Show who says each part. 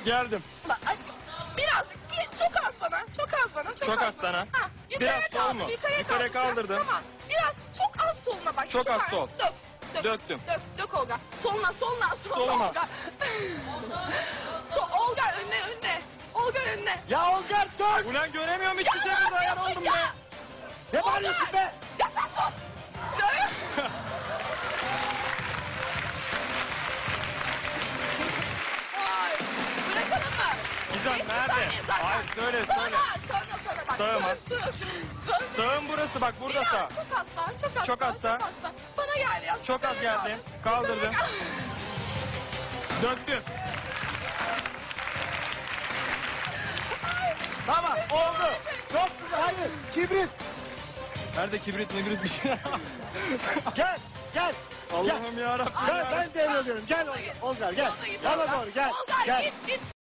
Speaker 1: Geldim.
Speaker 2: Bak aşkım birazcık çok az bana. Çok az bana.
Speaker 1: Çok az sana.
Speaker 2: Ha,
Speaker 1: Biraz sol mu? Yukarı kaldırdın.
Speaker 2: Tamam. Biraz çok az soluna bak.
Speaker 1: Çok az
Speaker 2: Süper.
Speaker 1: sol.
Speaker 2: Dök.
Speaker 1: Döktüm.
Speaker 2: Dök Olga. Soluna.
Speaker 1: Soluma.
Speaker 2: Olga. Olga önüne. Olga önüne.
Speaker 3: Ya Olgar dur.
Speaker 1: Ulan göremiyorum hiçbir şey burada ayar oldum be.
Speaker 3: Ne bağırıyorsun be?
Speaker 2: Ya sen sus. Ay, bırakalım mı?
Speaker 1: Gizem,
Speaker 2: 5
Speaker 1: nerede?
Speaker 2: saniye zaten.
Speaker 1: Hayır, söyle.
Speaker 2: Sana bak.
Speaker 1: Sağ mı?
Speaker 2: Sağ.
Speaker 1: Sağım burası bak, burada
Speaker 2: Biraz,
Speaker 1: sağ.
Speaker 2: Çok az sağ.
Speaker 1: Çok az sağ.
Speaker 2: Bana gel ya.
Speaker 1: Çok az geldim. Kaldırdım. Döktüm.
Speaker 3: Tamam oldu. Çok güzel. Hayır. Kibrit.
Speaker 1: Nerede kibrit bir şey?
Speaker 3: Gel. Gel.
Speaker 1: Allah'ım yarabbim.
Speaker 3: Ben devrediyorum. Gel Olgar gel.
Speaker 2: Soluna git
Speaker 3: Bana
Speaker 2: Olga.
Speaker 3: doğru gel.
Speaker 2: Olga
Speaker 3: Gel.
Speaker 2: git.